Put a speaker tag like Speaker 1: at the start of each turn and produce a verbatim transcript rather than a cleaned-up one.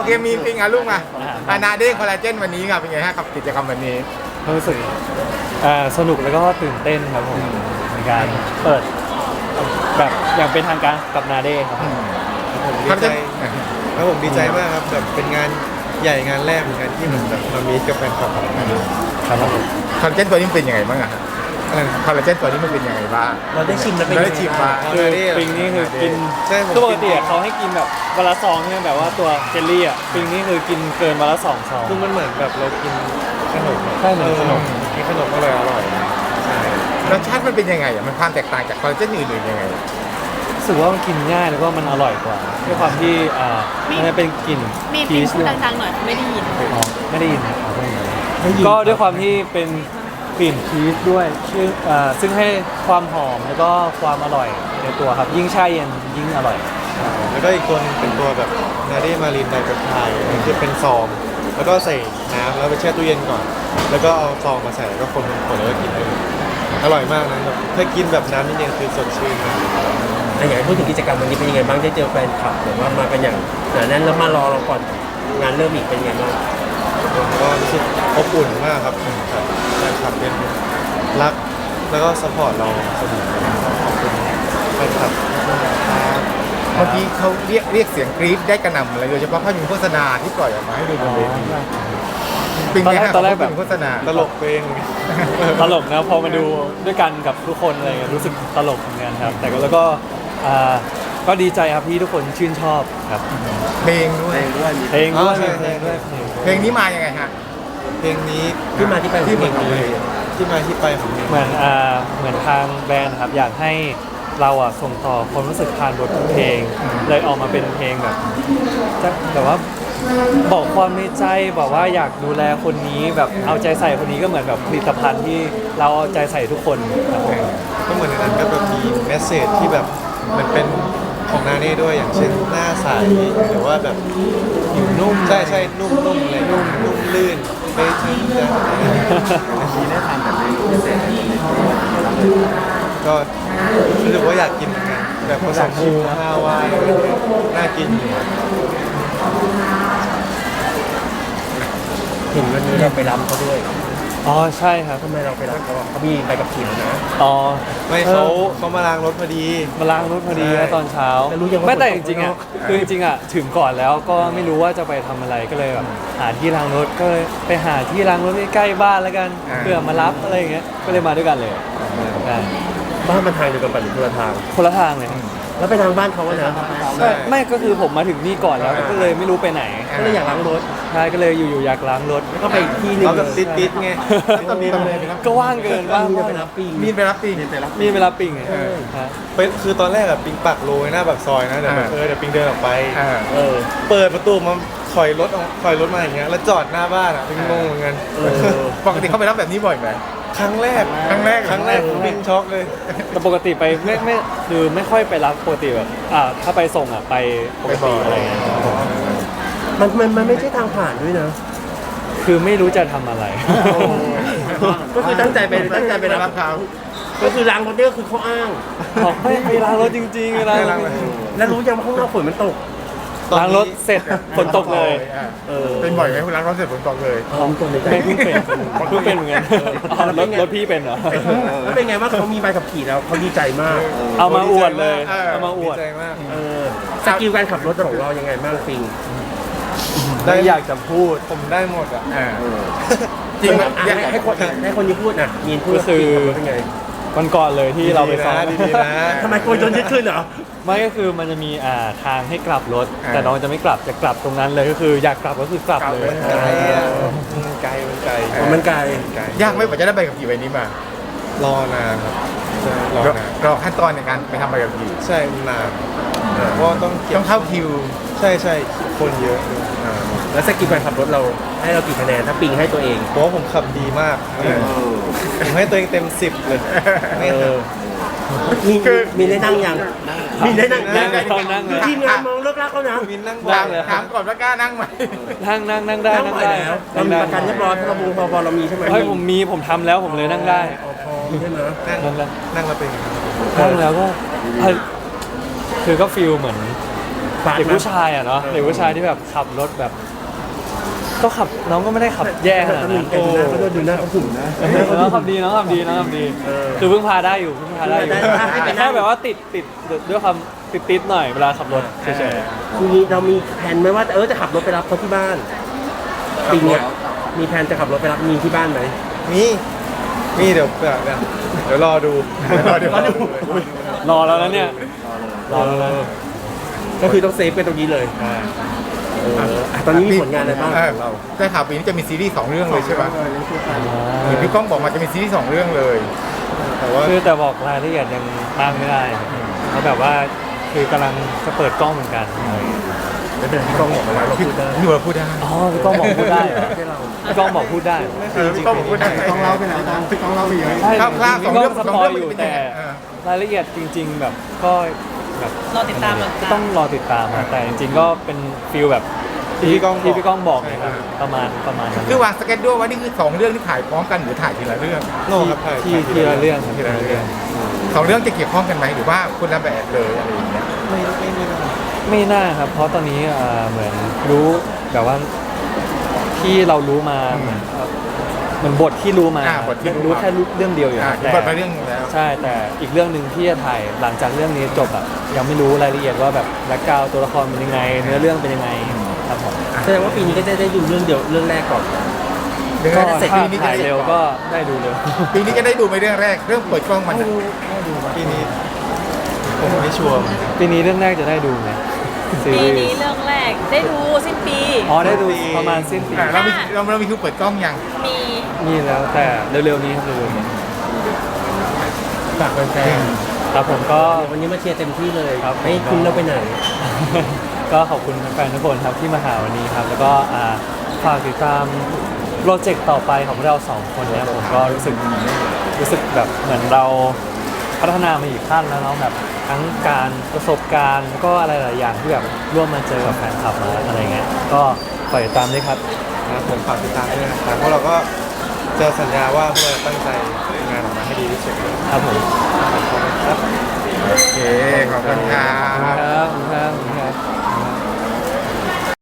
Speaker 1: เคมีจริงอ่ะลูกมาอานาเด้งคอลลาเจนวันนี้ครับเป็นไงฮะกับกิจกรรมวันนี้
Speaker 2: รู้สึกอ่าสนุกแล้วก็ตื่นเต้นครับผมในการเปิดแบบอย่างเป็นทางการกับนาเด้ครับ
Speaker 3: ผมดีใจแล้วผมดีใจมากครับแบบเป็นงานใหญ่งานแรกเหมือนกันที่มันแบบมามีกับแฟนคลับ
Speaker 2: ครับผม
Speaker 1: คอลลาเจนตัวนี้เป็นยังไงบ้างอะคอลลาเจนตัวนี้มันเป็นยังไงบ้าง
Speaker 4: เราได้ชิมแล้วเป็น
Speaker 1: ได้ชิมมา
Speaker 2: คือปิงนี่คือกินปกติเขาให้กินแบบวันละซองใช่ไหมแบบว่าตัวเจลลี่อ่ะปิงนี่คือกินเกินวันละสองซอง
Speaker 3: คือมันเหมือนแบบเรากินขนม
Speaker 2: ใช่เหมือนขนม
Speaker 3: กินขนมอร่อยอร่อย
Speaker 1: รสชาติมันเป็นยังไงอ่ะมันความแตกต่างจากคอลลาเจนอื่นๆยังไง
Speaker 2: รู้สึกว่ามันกินง่ายแล้วก็มันอร่อยกว่าด้วยความที่อ่ามันเป็นกลิ่น
Speaker 5: พีชดังๆหน่อยไม่ได้ยิน
Speaker 2: ไม่ได้ยินก็ด้วยความที่เป็นกลิ่นชีสด้วยชื่อซึ่งให้ความหอมแล้วก็ความอร่อยในตัวครับยิ่งแช่เย็นยิ่งอร่อย
Speaker 3: แล้วก็อีกตัวเป็นตัวแบบนาเดมารินไดเปปไทด์คือเป็นซองแล้วก็ใส่น้ำแล้วไปแช่ตู้เย็นก่อนแล้วก็เอาซองมาใส่แล้วก็คนคนแล้วก็กินเลยอร่อยมากนะแบบถ้ากินแบบน้ำนี่เนี่ยคือสดชื่นมาก
Speaker 4: อยากให้พูดถึงกิจกรรมวันนี้เป็นยังไงบ้างได้เจอแฟนคลับหรือว่ามากันอย่างหนาแน่นแล้วมารอเราก่อนงานเริ่มอีกเป็นยังไงบ้าง
Speaker 3: ผมก็รู้สึกอบอุ่นมากครับแฟนคลับเป็นรักแล้วก็สปอร์ตเราเสมอขอบคุณแฟนคลับ
Speaker 1: เมื่อกี้เขาเรียกเรียกเสียงกรี๊ดได้กระหน่ำเลยโดยเฉพาะภาพยนตร์โฆษณาที่ปล่อยออกมาให้ดูบนเวที
Speaker 2: ตอนแรกตอนแรกแบบ
Speaker 1: โฆษณา
Speaker 3: ตลกเพลง
Speaker 2: ตลกนะพอมาดูด้วยกันกับทุกคนอะไรเงี้ยรู้สึกตลกเหมือนกันครับแต่แล้วก็ก็ดีใจครับที่ทุกคนชื่นชอบครับ
Speaker 1: เพลงด้วย
Speaker 2: เพลงด้วย
Speaker 1: เพลงด้วยเพลงนี้มายังไงฮะ
Speaker 3: เพลงนี้
Speaker 4: ที่มาที่ไป
Speaker 3: ที่มาที่มาที่ไปของเพลง
Speaker 2: เหมือนอ่าเหมือนทางแบรนด์ครับอยากให้เราอ่ะส่งต่อความรู้สึกผ่านบทเพลงเลยออกมาเป็นเพลงแบบจะแบบว่าบอกความในใจบอกว่าอยากดูแลคนนี้แบบเอาใจใส่คนนี้ก็เหมือนแบบผลิตภัณฑ์ที่เราเอาใจใส่ทุกคนครับ
Speaker 3: ก็เหมือนในนั้นก็แบบมีเมสเซจที่แบบมันเป็นของนาเน่ด้วยอย่างเช่นหน้าใสหรือว่าแบบผิวนุ่มใช่ใช่นุ่มนุ่มเลยนุ่มนุ่มลื่นไม่ทิ้งจะมีได้ทานแบบนี้ก็รู้สึกว่าอยากกินเหมือนกันแบบผสมชิมฮาวายน่ากินอยู่
Speaker 4: เห็นวันนี้เราไปรำเขาด้วย
Speaker 2: อ๋อใช่ครับ
Speaker 4: ทำไมเราไปรำเขาเขามีใบกับขี่นะ
Speaker 2: อ๋อ
Speaker 3: ไม่เขาเขามาล้างรถพอดี
Speaker 2: มาล้างรถพอดีตอนเช้าไม่แต่จริงๆอ่ะคือจริงๆอ่ะถึงก่อนแล้วก็ไม่รู้ว่าจะไปทำอะไรก็เลยแบบหาที่ล้างรถก็เลยไปหาที่ล้างรถใกล้ๆบ้านแล้วกันเพื่อมารับอะไรอย่างเงี้ยก็เลยมาด้วยกันเลย
Speaker 4: บ้านมันทางเดียวกันปัจจุบันทาง
Speaker 2: คนละทางเลย
Speaker 4: แล้วไปทางบ้านเขานะ
Speaker 2: ไม่ก็คือผมมาถึงนี่ก่อนแล้วก็เลยไม่รู้ไปไหน
Speaker 4: ก็เลยอยากล้างรถ
Speaker 2: ใช่ก็เลยอยู่ๆอยากล้างรถ
Speaker 4: แล้วก็ไปที่นึง
Speaker 3: เราแบบติดๆไง
Speaker 2: ก็ว่างเกินว่าง
Speaker 4: ไปรับปิง
Speaker 1: มีไปรับปิง
Speaker 2: มีไปรับปิงไง
Speaker 3: เป็นคือตอนแรกอะปิงปักโรยหน้าปากซอยนะเดี๋ยวเออเดี๋ยวปิงเดินออกไป
Speaker 4: เออ
Speaker 3: เปิดประตูมาถอยรถถอยรถมาอย่างเงี้ยแล้วจอดหน้าบ้านอะปิงงงเหมือนกัน
Speaker 1: ปกติเขาไปรับแบบนี้บ่อยไหม
Speaker 3: ครั้งแรก
Speaker 1: ครั้งแรก
Speaker 3: ครั้งแรกปิงช็อกเลย
Speaker 2: แต่ปกติไปไม่ไม่คือไม่ค่อยไปรับปกติแบบอ่าถ้าไปส่งอ่ะไปปกติอะไรเงี้ย
Speaker 4: มันมันมันไม่ใช่ทางผ่านด้วยนะ
Speaker 2: คือไม่รู้จะทำอะไร
Speaker 4: ก็คือตั้งใจไปตั้งใจไปรับเขาก็คือล้างรถนี่ก็คือเขาอ้าง
Speaker 2: บอกไม่ไปล้างรถจริงๆล้าง
Speaker 4: แล้วรู้ยังว่าข้างนอกฝนมันตก
Speaker 2: ล้างรถเสร็จฝนตกเลย
Speaker 1: เป็นบ่อยไหมคุณล้างรถเสร็จฝนตกเลย
Speaker 2: ไม่เพิ่งเป็นเพิ่งเป็นเหมือนกันรถรถพี่เป็นเหรอ
Speaker 4: แล้วเป็นไงว่าเขามีใบขับขี่แล้วเขาดีใจมาก
Speaker 2: เอามาอวดเลยเอามาอวด
Speaker 3: ดีใจมาก
Speaker 4: สกิลการขับรถของเรายังไงบ้างปิง
Speaker 2: ได้อยากจะพูด
Speaker 3: ผมได้หมดอ่ะ
Speaker 4: จริงอยากให้คนให้คนนี้พูดนะมีนพูด
Speaker 2: ก็คือเป็นไงวันก่อนเลยที่เราไปซ้อม
Speaker 4: ทำไมคนจนยึดขึ้นเหรอ
Speaker 2: ไม่ก็คือมันจะมีอ่าทางให้กลับรถแต่น้องจะไม่กลับจะกลับตรงนั้นเลยก็คืออยากกลับก็คือกลับเลย
Speaker 3: ไกลมันไกลมันไกล
Speaker 4: มันไกล
Speaker 1: ยากไหมกว่าจะได้ใบขับขี่ใบนี้มา
Speaker 3: รอนานครับ
Speaker 1: รอนานรอขั้นตอนในการไปทำใบขับขี่
Speaker 3: ใช่นานเพราะต้อง
Speaker 1: ต้องเข้าคิว
Speaker 3: ใช่ใช่คนเยอะ
Speaker 4: แล้วสกิลการขับรถเราให้เรากี่คะแนนถ้าปิงให้ตัวเอง
Speaker 3: เพราะว่าผมขับดีมากผมให้ตัวเองเต็มสิบเลย
Speaker 4: มีมีได้นั่งยังมีได้นั่ง
Speaker 2: นั่งนั่งเลย
Speaker 4: ทีมงานมองเลิกลักเขานะ
Speaker 3: มีนั่ง
Speaker 1: บ้างถามก่อนว่ากล้านั่งไหม
Speaker 2: นั่งนั่งนั่งได้
Speaker 4: นั่งได้แล้วเรามีประกันเรียบร้อยพรบพรบเรามีใช่ไหม
Speaker 2: เฮ้ยผมมีผมทำแล้วผมเลยนั่งได้
Speaker 4: ใช่ไหม
Speaker 3: นั่งแล้วนั่งแล้วเป็น
Speaker 2: นั่งแล้วก็คือก็ฟีลเหมือน
Speaker 4: ฟาด
Speaker 2: เด็ก
Speaker 4: นะ
Speaker 2: ผู้ชายอ่ะเนาะเด็กผู้ชายที่แบบขับรถแบบ ก็ขับน้องก็ไม่ได้ขับแย่ขนาด
Speaker 4: หนึ่
Speaker 2: นั้
Speaker 4: ง
Speaker 2: น
Speaker 4: แกดูหน้าเขาด้วยดูหน้าเขาหุ่นนะ
Speaker 2: น้องขับดีน้องขับดีน้องขับดีคือเพิ่งพาได้อยู่เพิ่งพาได้อยู่
Speaker 4: ได้ได้ให้ไปนั่ง
Speaker 2: แค่แบบว่าติดติดด้วยความติดติดๆหน่อยเวลาขับรถเฉย
Speaker 4: ทีนี้เรามีแผนไหมว่าเออจะขับรถไปรับเขาที่บ้านปีเนี้ยมีแผนจะขับรถไปรับมีนที่บ้านไหม
Speaker 3: มีมีเดี๋ยวแบบเดี๋ยวรอดู
Speaker 1: รอดู
Speaker 2: ๆรอแล้วนะเนี่ยรอแล้วนะ
Speaker 4: ก็คือต้องเซฟกันตรงนี้เลยเอออ่ะตอนนี้มีผลงานอะไรบ้าง
Speaker 1: เออได้ข่าวปีนี้จะมีซีรีส์สองเรื่องเลยใช่ไหมเห็นพี่ก้องบอกมาจะมีซีรีส์สองเรื่องเลย
Speaker 3: แต่ว่า
Speaker 2: คือแต่บอกรายละเอียดยังมากไม่ได้เพราะแบบว่าคือกำลังจะเปิดกล้องเหมือนกัน
Speaker 1: พี่ก้องบอกมาแล้วเราพูดได้พี่เราพูดได้
Speaker 2: อ๋อพี่ก้องบอกพูดได้เหรอพี่ก้องบอกพูดได้เหรอ
Speaker 1: เออพี่ก้องบอกพูดได้ต้องเล่าไปไหนกันพี่ก้องเล่าไปเยอะ
Speaker 2: ใช่
Speaker 1: ครับครับ
Speaker 2: พี่ก้องสปอยอยู่
Speaker 1: เป็นยังไง
Speaker 2: แต่
Speaker 1: เออ
Speaker 2: รายละเอียดจริง ๆ แบบก็แบบ
Speaker 5: รอติดตามรอติดตาม
Speaker 2: ต้องรอติดตามนะแต่จริงๆก็เป็นฟิลแบบ
Speaker 3: ที่พี่ก้องบอก
Speaker 2: ที่พี่ก้องบอกนะครับประมาณประมาณนั้น
Speaker 1: คือวางสเก็ตด้วยว่านี่คือสองเรื่องที่ถ่ายพร้อมกันหรือถ่ายทีละเรื่อง
Speaker 3: โน่ครับถ่าย
Speaker 2: ที่
Speaker 3: ถ่าย
Speaker 2: ทีละเรื่องครับ
Speaker 1: ทีละเรื่องสองเรื่องจะเกี่ยวข้องกันไหมหรือว่าคนละแบบเลยอะไรอย่างเงี้ย
Speaker 3: ไม่ไม่ไม่ไม่
Speaker 2: ไม่น่าครับ เพราะตอนนี้อ่าเหมือนรู้แบบว่าที่เรารู้มาเหมือนเหมือนบทที่รู้มา
Speaker 1: อ่าบทที่รู้
Speaker 2: รู้แค่เรื่องเดียวอยู่
Speaker 1: อ่า
Speaker 2: แต่
Speaker 1: บทมาเรื่องหนึ่งแล้ว
Speaker 2: ใช่แต่อีกเรื่องหนึ่งที่จะถ่ายหลังจากเรื่องนี้จบอะยังไม่รู้รายละเอียดว่าแบบแบ็คกราวตัวละครเป็นยังไง เนื้อเรื่องเป็นยังไงครับผม
Speaker 4: แสดงว่าปีนี้ก็จะได้ดูเรื่องเดียวเรื่องแรกก่อน
Speaker 1: เรื่อง
Speaker 2: ก็
Speaker 1: แรกเสร็จ
Speaker 2: ถ้า
Speaker 1: ปีนี้จะ
Speaker 2: ถ่าย
Speaker 1: ได้
Speaker 2: เร็วก็ได้ดูเร็ว
Speaker 1: ปีนี้จะได้ดูไหมเรื่องแรกเรื่องเปิดกล้องมัน
Speaker 3: ปีนี้ผมไม่ชัวร์เหมือนกัน
Speaker 2: ปีนี้เรื่องแรกจะได้ดูไหมซี
Speaker 5: ปี
Speaker 2: รี
Speaker 5: นี้
Speaker 2: ส์
Speaker 5: เรื่องแรกได้ดูสิ้นปี
Speaker 2: อ๋อได้ดูประมาณสิ้นปี
Speaker 1: อ่าเรามีเราเรามีคิวเปิดกล้องยัง
Speaker 5: มี
Speaker 2: มีแล้วแต่เร็วๆนี้ครับเร็วๆนี้
Speaker 4: ฝากแฟน
Speaker 2: ครับผมก็
Speaker 4: ๆวันนี้มาเชียร์เต็มที่เลย
Speaker 2: ครับ
Speaker 4: ไม่ให้คุณเราไปไหน
Speaker 2: ก็ขอบคุณแฟนๆทุกคนครับที่มาหาวันนี้ครับ แล้วก็อ่าฝากติดตามโปรเจกต์ต่อไปของเราสองคนเนี่ยผมก็รู้สึกรู้สึกแบบเหมือนเราพัฒนามาอีกขั้นแล้วเนาะแบบทั้งการประสบการณ์แล้วก็อะไรหลายอย่างที่แบบร่วมมาเจอกับแฟนคลับมาอะไรเงี้ยก็ฝากติดตามด้วยครับ
Speaker 3: นะครับผมฝากติดตามด้วยนะครับเพราะเราก็จะสัญญาว่าพวกเราจะตั้งใจทำงานออกมาให้ดีที่สุดเลย
Speaker 2: ครับผม
Speaker 3: ครับ
Speaker 1: โอเคขอบคุณครั
Speaker 2: ขอบคุณ
Speaker 1: บ
Speaker 2: ครับขอบคุณครับขอบคุณครับ